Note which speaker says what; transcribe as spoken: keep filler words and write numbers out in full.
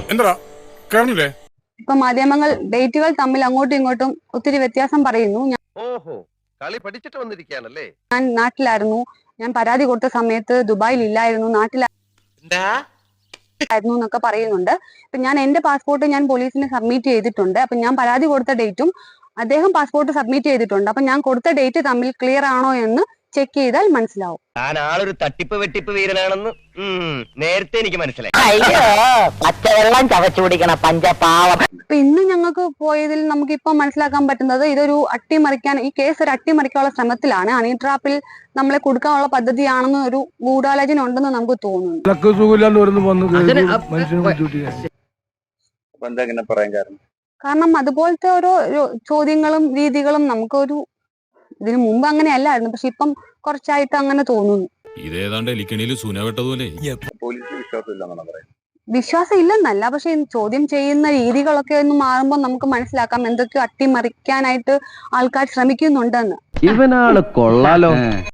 Speaker 1: എന്താ കാണില്ലേ?
Speaker 2: ഇപ്പൊ മാധ്യമങ്ങൾ ഡേറ്റുകൾ തമ്മിൽ അങ്ങോട്ടും ഇങ്ങോട്ടും ഒത്തിരി വ്യത്യാസം പറയുന്നു.
Speaker 3: ഓഹോ, കളി പഠിച്ചിട്ട് വന്നിരിക്കുകയാണല്ലേ.
Speaker 2: ഞാൻ നാട്ടിലായിരുന്നു, ഞാൻ പരാതി കൊടുത്ത സമയത്ത് ദുബായിൽ ഇല്ലായിരുന്നു, നാട്ടിലായിരുന്നു എന്നൊക്കെ പറയുന്നുണ്ട്. ഇപ്പൊ ഞാൻ എന്റെ പാസ്പോർട്ട് ഞാൻ പോലീസിന് സബ്മിറ്റ് ചെയ്തിട്ടുണ്ട്. അപ്പൊ ഞാൻ പരാതി കൊടുത്ത ഡേറ്റും അദ്ദേഹം പാസ്പോർട്ട് സബ്മിറ്റ് ചെയ്തിട്ടുണ്ട്. അപ്പൊ ഞാൻ കൊടുത്ത ഡേറ്റ് തമ്മിൽ ക്ലിയർ ആണോ എന്ന് ചെക്ക് ചെയ്താൽ മനസ്സിലാവും.
Speaker 3: ഞാൻ ആളൊരു തട്ടിപ്പ് വെട്ടിപ്പ് വീരനാണെന്ന് നേരത്തെ എനിക്ക് മനസ്സിലായി.
Speaker 4: അയ്യോ, പച്ചവെള്ളം ചവച്ചു കുടിക്കണ പഞ്ചപാവം.
Speaker 2: ഇപ്പൊ ഇന്ന് ഞങ്ങൾക്ക് പോയതിൽ നമുക്ക് ഇപ്പൊ മനസ്സിലാക്കാൻ പറ്റുന്നത് ഇതൊരു അട്ടിമറിക്കാൻ, ഈ കേസ് ഒരു അട്ടിമറിക്കാനുള്ള ശ്രമത്തിലാണ്. ഹണി ട്രാപ്പിൽ നമ്മളെ കൊടുക്കാനുള്ള പദ്ധതിയാണെന്ന് ഒരു ഗൂഢാലോചന ഉണ്ടെന്ന് നമുക്ക് തോന്നുന്നു. കാരണം അതുപോലത്തെ ഓരോ ചോദ്യങ്ങളും രീതികളും നമുക്കൊരു ഇതിനു മുമ്പ് അങ്ങനെ അല്ലായിരുന്നു, പക്ഷെ ഇപ്പം കുറച്ചായിട്ട് അങ്ങനെ തോന്നുന്നു.
Speaker 1: ഇതേതാണ്ട് എലിക്കണിയിൽ സൂന വെട്ടതുപോലെ.
Speaker 2: വിശ്വാസം ഇല്ലെന്നല്ല, പക്ഷെ ചോദ്യം ചെയ്യുന്ന രീതികളൊക്കെ ഒന്ന് മാറുമ്പോൾ നമുക്ക് മനസ്സിലാക്കാം എന്തൊക്കെയോ അട്ടിമറിക്കാനായിട്ട് ആൾക്കാർ ശ്രമിക്കുന്നുണ്ടെന്ന്.
Speaker 5: ഇവനാള് കൊള്ളാലോ.